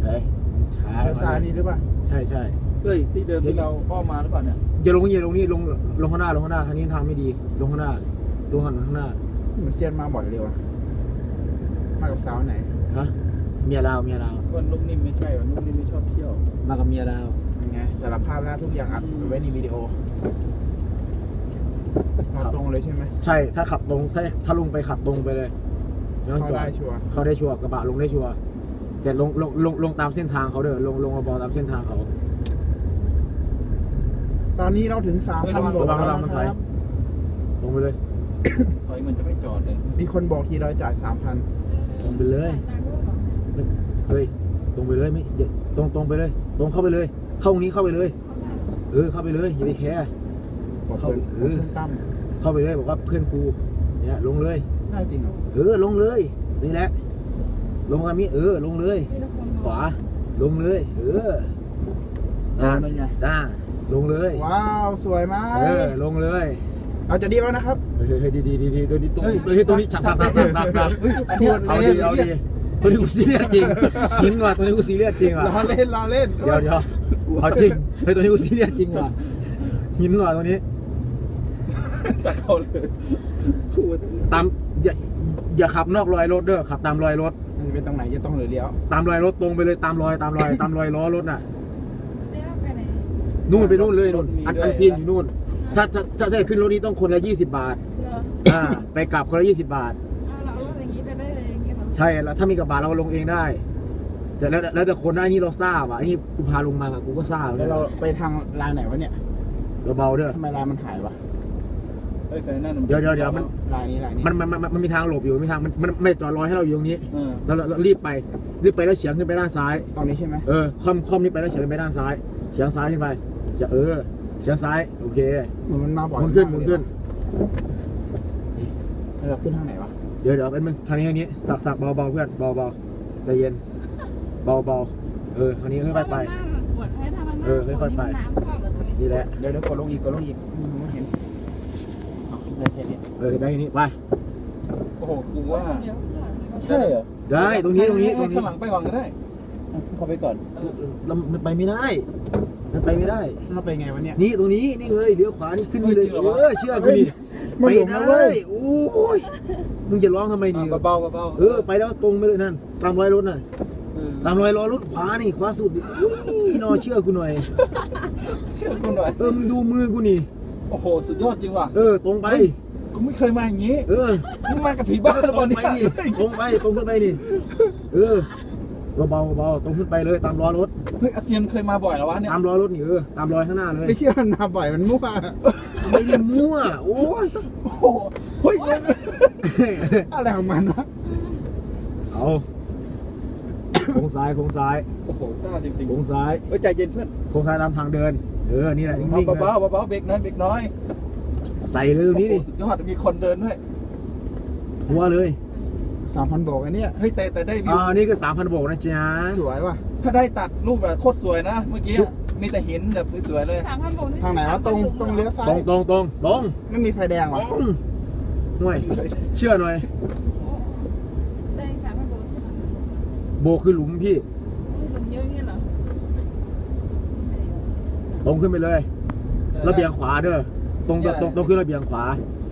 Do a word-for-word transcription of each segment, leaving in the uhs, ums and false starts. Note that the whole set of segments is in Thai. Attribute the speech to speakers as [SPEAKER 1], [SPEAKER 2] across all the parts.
[SPEAKER 1] ฮ้ยช้า
[SPEAKER 2] เลี้ยวซ้ายนี่หรือเปล่า
[SPEAKER 1] ใช่ใช่
[SPEAKER 3] เฮ้ยที่เดิมที่เราอ้อมมาหรือเปล่าเนี่ย
[SPEAKER 1] อย่าลงอย่าลงนี่ลงลงข้างหน้าลงข้างหน้าทางนี้ทางไม่ดีลงข้างหน้าลงข้างข้างหน้า
[SPEAKER 2] เหมือนเซียนมาบ่อยเลยวะมากับสาวไหน
[SPEAKER 1] ฮะเมียลาวเมียลาว
[SPEAKER 3] วันลูกนิ่มไม่ใช่วันลูกนิ่มไม่ชอบเที่ยว
[SPEAKER 1] มากับเมียลาว
[SPEAKER 2] ยังไงสารภาพแล้วทุกอย่างอัดไว้ในวิดีโอเราตรงเลยใช่ไหม
[SPEAKER 1] ใช่ถ้าขับตรงถ้าถ้าลงไปขับตรงไปเลยไม่ต้อง
[SPEAKER 2] เข้า
[SPEAKER 1] จอ
[SPEAKER 2] ได้
[SPEAKER 1] ด
[SPEAKER 2] ชัวร์
[SPEAKER 1] เขาได้ชัวร์กระบะลงได้ชัวร์แต่ลงลงลงลงตามเส้นทางเขาเด้อลงลงมาบอตามเส้นทางเขา
[SPEAKER 2] ตอนนี้เราถึงสามพันโบก
[SPEAKER 1] ระวัง
[SPEAKER 2] แล้ว
[SPEAKER 1] ระวังมัน
[SPEAKER 2] นะ
[SPEAKER 1] ถ
[SPEAKER 2] ค
[SPEAKER 1] อย
[SPEAKER 2] รับ
[SPEAKER 1] ตรงไปเลย
[SPEAKER 3] ถอยมันจะไม่จอดเลย
[SPEAKER 2] มีคนบอกทีเราจ่ายสามพัน
[SPEAKER 1] ตรงไปเลยเฮ้ยตรงไปเลยไม่เดี๋ยวตรงตรงไปเลย ตรงเข้าไปเลย เข้าตรงนี้เข้าไปเลยเออเข้าไปเลยอย่าไปแคร์
[SPEAKER 2] บอก
[SPEAKER 1] เข้า
[SPEAKER 2] เพื่อน
[SPEAKER 1] เออ
[SPEAKER 2] เพื่อนตั้ม
[SPEAKER 1] เข้าไปเลยบอกว่าเพื่อนกูเนี่ยลงเลย
[SPEAKER 2] ได้จริงเหรอ
[SPEAKER 1] เออลงเลยนี่แหละลงทางนี้เออลงเลย ขวาลงเลยเออ
[SPEAKER 2] เออนั่นไง
[SPEAKER 1] ด้าลงเลย
[SPEAKER 2] ว้าวสวยมาก
[SPEAKER 1] เออลงเลย
[SPEAKER 2] เราจะเดียวนะครับ
[SPEAKER 1] เฮ้ยเฮ้ยดีดีดีดีตัวนี้ตัวนี้ตัวนี้ตัวนี้ฉับฉับฉับฉับฉับฉับ
[SPEAKER 2] อันนี้
[SPEAKER 1] เอาดีเอาดีตัวนี้กูซีเรียสจริงหินว่ะตัวนี้กูซีเรียสจริงว่ะ
[SPEAKER 2] เราเล่นเราเล่น
[SPEAKER 1] เดี๋ยวเดี๋ยวเอาจริงเฮ้ยตัวนี้กูซีเรียสจริงว่ะหินว่ะตัวนี้
[SPEAKER 3] สักเขาเลยพูด
[SPEAKER 1] ตามอย่าอย่าขับนอกรอยรถเด้อขับตามรอยรถ
[SPEAKER 2] มันจะเป็นตรงไหนจะต้องหรือเลี้ยว
[SPEAKER 1] ตามรอยรถตรงไปเลยตามรอยตามรอยตามรอยล้อรถน่ะ
[SPEAKER 4] เลี้ยวไปไหน
[SPEAKER 1] นู่นไปนู่นเลยนู่นอันอันซีนอยู่นู่นถ้าถ้าถ้าถ้าขึ้นรถนี้ต้องคนละยี่สิบบาท
[SPEAKER 4] เหรอ
[SPEAKER 1] อ่าไปกลับคนละยี่สิบบาท
[SPEAKER 4] เอาเราเอารถอย่างนี้ไปได้เลยอย่างเงี้ยเหรอ
[SPEAKER 1] ใช่แล้วถ้ามีกระบะเราลงเองได้ แต่แล้วแล้วแต่คนนะอันนี้เราทราบอ่ะอันนี้กูพาลงมาอะกูก็ทราบ
[SPEAKER 2] แล้วเราไปทางลายไหนวะเนี่ย
[SPEAKER 1] เราเบาเด้อ
[SPEAKER 2] ทำไมลายมันหายวะ
[SPEAKER 3] เอ้ยแต่นั่น
[SPEAKER 1] เดี๋ยวเดี๋ยวเดี๋ยวมัน
[SPEAKER 2] ลายนี้ลายนี้
[SPEAKER 1] มันมันมันมันมีทางหลบอยู่มีทางมันมันไม่จอดรอให้เราอยู่ตรงนี้
[SPEAKER 3] เออ
[SPEAKER 1] เราเราเรารีบไปรีบไปแล้วเฉียงขึ้นไปด้านซ้าย
[SPEAKER 2] ตอนนี้ใช่ไหม
[SPEAKER 1] เออคอมคอมนี้ไปแล้วเฉียงขึ้นไปด้านซ้ายเฉียงซ้ายขึ้นไปเฉียงเออเฉียงซ้ายโอเค
[SPEAKER 2] เหมือนมันมาบ่อย
[SPEAKER 1] หมุนขึ้นหมุนขึ้น
[SPEAKER 2] แล้วเราขึ้นทางไหนวะ
[SPEAKER 1] เดี๋ยวเดี๋ยวเป็นมึงทางนี้ทางนี้สักสักเบาเบาเพื่อนเบาเบาใจเย็นเบาเบาเออทางนี้ค่อยๆไป
[SPEAKER 4] ถ้ามันนั่งปวดให้ถ้ามันนั่ง
[SPEAKER 1] เออค่อยๆไป
[SPEAKER 4] น้ำชอบเหรอตรงนี้
[SPEAKER 1] นี่แหละ
[SPEAKER 2] เดี๋ยวเดี๋ยวกดลงอีกกดลงอีกไม่เห็นเอาได้แค่นี้
[SPEAKER 1] เออได้ทีนี้ไป
[SPEAKER 3] โอ้โหกูว่า
[SPEAKER 4] เดี๋ยวข้างหลังนี่ก็
[SPEAKER 3] ใช่เหรอ
[SPEAKER 1] ได้ตรงนี้ตรงนี้ตรงนี้
[SPEAKER 3] ข้างหลังไปก่อนก็ได้เข้าไปก่อน
[SPEAKER 1] เรามันไปไม่ได้ มันไปไม่ได้
[SPEAKER 2] เราไปไงวะเนี่ย
[SPEAKER 1] นี่ตรงนี้นี่เลยเลี้ยวขวานี่ขึ้นนี่เลย
[SPEAKER 3] เฮ้ยจริงเหรอวะ
[SPEAKER 1] เออเชื่อกูดิ
[SPEAKER 2] เฮ้
[SPEAKER 1] ไป
[SPEAKER 2] ยมันหลงนะเว้
[SPEAKER 1] ได้
[SPEAKER 2] ย
[SPEAKER 1] โอ้ยมึงจะร้องทำไมดี
[SPEAKER 3] อ่ะเบาๆเบาๆ
[SPEAKER 1] เออไปแล้วตรงไปเลยนั่นตามรอยรถน่ะ
[SPEAKER 3] เออ
[SPEAKER 1] ตามรอยล้อรถขวานี่ขวาสุดดิอุ้ยนอเชื่อกูหน่อย
[SPEAKER 3] เชื่อกูหน่อย
[SPEAKER 1] เออมึงดูมือกูนี่
[SPEAKER 3] โอ้โหสุดยอดจริงว่ะ
[SPEAKER 1] เออตรงไป
[SPEAKER 3] กูไม่เคยมาอย่างนี้
[SPEAKER 1] เออ
[SPEAKER 3] มึงมากับผีบ้าหรือ
[SPEAKER 1] ต
[SPEAKER 3] เป
[SPEAKER 1] ร
[SPEAKER 3] ล่าง
[SPEAKER 1] ไป
[SPEAKER 3] เนี่ย
[SPEAKER 1] นี่ตรงไปตรงขึ้นไปนี่เออเบาๆเบาๆตรงขึ้นไปเลยตามล้อรถ
[SPEAKER 3] เฮ้ยอาเซียนเคยมาบ่อยแล้ววะเนี่ย
[SPEAKER 1] ตามรอยรถนี่เออตามรอยข้างหน้าเลย
[SPEAKER 2] ไม่เชื่อมันมาบ่อยมันมั่ว
[SPEAKER 1] ไม่ได้มั่วโอ้ย
[SPEAKER 3] โอ้โหเฮ้ย
[SPEAKER 2] อะไรของมันวะ
[SPEAKER 1] เอาโค้งซ้ายโค้งซ้าย
[SPEAKER 3] โอ้โหซ่าจริง
[SPEAKER 1] โค้งซ้าย
[SPEAKER 3] ๆเฮ้ยใจเย็นเพื่อน
[SPEAKER 1] โค้งซ้ายตามทางเดินเออนี่แหละนิ่งๆ
[SPEAKER 3] เบา
[SPEAKER 1] นะ
[SPEAKER 3] ๆเบาๆเบรกน้อยเบรกน้อย
[SPEAKER 1] ใส่เลยตรงนี้ดิ
[SPEAKER 3] โอ้โหสุดยอดมีคนเดินด้วย
[SPEAKER 1] ทัวร์เลย
[SPEAKER 2] สามพันโบกอันเนี้ย
[SPEAKER 3] เฮ้ยแต่แต่ได้วิว
[SPEAKER 1] อ่านี่ก็สามพันโบกนะจ๊ะ
[SPEAKER 2] สวยว่ะ
[SPEAKER 3] ถ้าได้ตัดรูปแบบโคตรสวยนะ เมื่อกี้มีแต่หินแบบสวยๆเลย
[SPEAKER 4] สามพันโบก
[SPEAKER 2] ทางไหนวะตรงตรงเลี้ยวซ้า
[SPEAKER 1] ตร
[SPEAKER 2] ย
[SPEAKER 1] งตรงตรงตรง
[SPEAKER 2] ไม่มีไฟแดง
[SPEAKER 1] ต
[SPEAKER 2] วะ
[SPEAKER 1] รงห่วยเชื่อหน่อย
[SPEAKER 4] ได้สามพันโบกที่สามพันโบก
[SPEAKER 1] โบกคือหลุมพี่
[SPEAKER 4] คือหลุมเยอะอย่างเงี้ยเหรอ
[SPEAKER 1] ตรงขึ้นไปเลยระเบียงขวาเด้อตรงตรงตรงขึ้นระเบียงขวา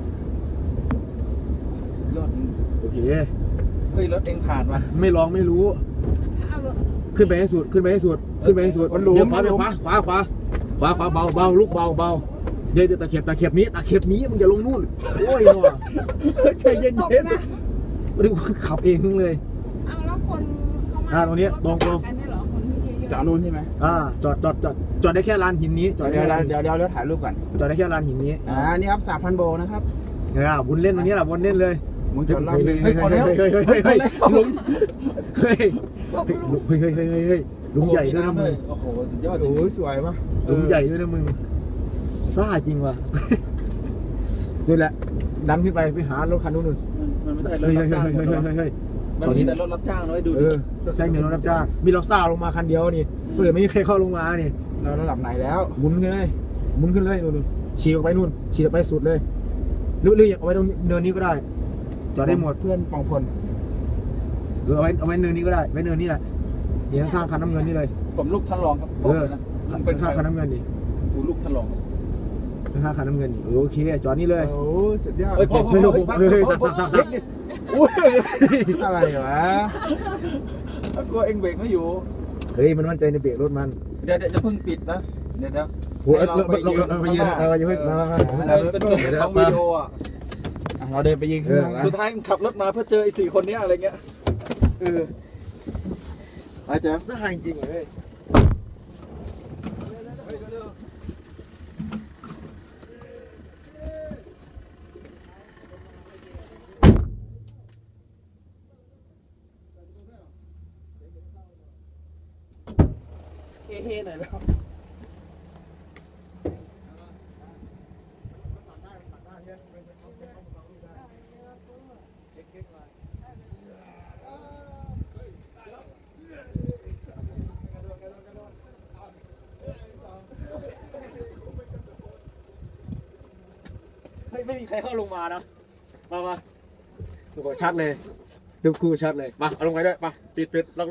[SPEAKER 3] สุดยอดจริง
[SPEAKER 1] โอเค
[SPEAKER 3] เฮ้ยรถเองผ่านมา
[SPEAKER 1] ไม่ลองไม่รู้
[SPEAKER 4] ถ้าเอารถ
[SPEAKER 1] ขึ้นไปให้สุดขึ้นไปให้สุดขึ้นไปให้สุด
[SPEAKER 2] มันหลุม
[SPEAKER 1] เดี๋ยวขวาเดี๋ยวขวาขวาขวาขวาขวาเบาเบาลูกเบาเบาเดี๋ยวเดี๋ยวตะเข็บตะเข็บนี้ตะเข็บนี้มึงจะลงนู่นโอ้ยว่ะ
[SPEAKER 3] ใจเย็น
[SPEAKER 4] ตก
[SPEAKER 3] เย็น
[SPEAKER 4] นะ
[SPEAKER 1] ไม่ได้ขับเองเลย
[SPEAKER 4] เอาแล้วคนเข้ามา
[SPEAKER 1] อ่าตรงนี้ตรงตรง
[SPEAKER 4] กันเนี่ยเหรอคนที่เยอะๆ
[SPEAKER 2] จอดนู่นใช่ไหม
[SPEAKER 1] อ่าจอดจอดจอดจอดได้แค่ลานหินนี้จอดได้
[SPEAKER 2] เดี๋ยว
[SPEAKER 1] แค่ลาน
[SPEAKER 2] เดี๋ยวเดี๋ยวเดี๋ยวถ่ายรูปก่อน
[SPEAKER 1] จอดได้แค่ลานหินนี้
[SPEAKER 2] อ่านี่ครับสามพันโบนะครับ
[SPEAKER 1] เนี่ยวุ้นเล่นตรงนี้แหละวุ้นเล่นเลย
[SPEAKER 2] มึงจอดรอบ
[SPEAKER 1] เฮ้
[SPEAKER 2] นึ
[SPEAKER 1] ย
[SPEAKER 2] ง
[SPEAKER 1] เฮ้ยเฮ้ยเฮ้ยเฮ้ยเฮ้ยเฮ้ยหลุมเฮ้ยเฮ้ยเฮ้ยเฮ้ยเฮ้ยเฮ้ยหลุมใหญ่ด้วยนะมึง
[SPEAKER 3] โอ้โหสุดยอดจริง
[SPEAKER 2] โอ้ยสวยว่ะ
[SPEAKER 1] หลุมใหญ่ด้วยนะมึงซ่าจริงว่ะนี่แหละดันขึ้นไปไปหารถคันนู้นนู่น
[SPEAKER 3] มันไม่ใช่ร
[SPEAKER 1] เฮ้
[SPEAKER 3] ถ
[SPEAKER 1] ย
[SPEAKER 3] รั
[SPEAKER 1] เฮ้
[SPEAKER 3] บ
[SPEAKER 1] ย
[SPEAKER 3] จ้าง
[SPEAKER 1] เฮ้ยเฮ้ยเฮ้ยเฮ้ย
[SPEAKER 3] มันมีแต่รถรับจ้างน้อยดู
[SPEAKER 1] เอ
[SPEAKER 3] ดิ
[SPEAKER 1] อใช่เงินรถรับจ้างมีเราซ่าลงมาคันเดียวนี่เพื่อไม่มีใครเข้าลงมานี่
[SPEAKER 2] เราระดับไหนแล้ว
[SPEAKER 1] หมุนขึ้นเลยหมุนขึ้นเลยนู่นฉีกออกไปนู่นฉีกออกไปสุดเลยหรือหรืออยากเอาไว้ตรงเนินนี้ก็ได้จอดได้หมด
[SPEAKER 2] เพื่อนปองพล
[SPEAKER 1] เออเอาไว้เอาไว้เนินนี้ก็ได้ไว้เนินนี้แหละนี่ข้างๆคันน้ำเงินนี่เลย
[SPEAKER 3] ผมลูกท่านรองครับบ
[SPEAKER 1] เอ
[SPEAKER 3] อก
[SPEAKER 1] อ
[SPEAKER 3] เลยนะผมเป็นใคร
[SPEAKER 1] ข้างๆคันน้ำเงินนี่
[SPEAKER 3] กูลูกท่านรองครับ
[SPEAKER 1] ข้างๆคันน้ำเงินนี่เออโอเคจอดนี่เลย
[SPEAKER 2] โอ้สุดยอด
[SPEAKER 3] เฮ้ยพ่อพ่อ
[SPEAKER 1] เฮ้ย
[SPEAKER 3] พ่อ
[SPEAKER 1] เฮ้ยเฮ้ย
[SPEAKER 3] พ่อ
[SPEAKER 1] สักสักสักสัก
[SPEAKER 3] อุ้ย
[SPEAKER 2] อะไรวะ
[SPEAKER 3] กลัวเองเบรกไม่อยู่
[SPEAKER 1] เฮ้ยมันมั่นใจในเบรกรถมัน
[SPEAKER 3] เดี๋ยวเดี๋ยวจะเพิ่งปิดนะเดี๋ยวเดี๋ยว
[SPEAKER 1] โอ้ยเราไปยืนเราไปยืนเราไปยืนมามามา
[SPEAKER 3] มันเป็นส่วนของวิดีโออ่ะ
[SPEAKER 2] อ่ะเราเดินไปยิงข้างหลังนะ
[SPEAKER 3] สุดท้ายขับรถมาเพื่อเจอไอ้สี่คนเนี้ยอะไรเงี้ยเออไอ้เจ๊
[SPEAKER 1] สหายจริงเลย
[SPEAKER 2] เฮ้ๆหน่อยแล้ว
[SPEAKER 1] ไม่ไม่มีใครเข้าลงมานะมามาดูชัดเลยดูคู่ชัดเลยมาเอาลงไปด้วยมาปิดปิด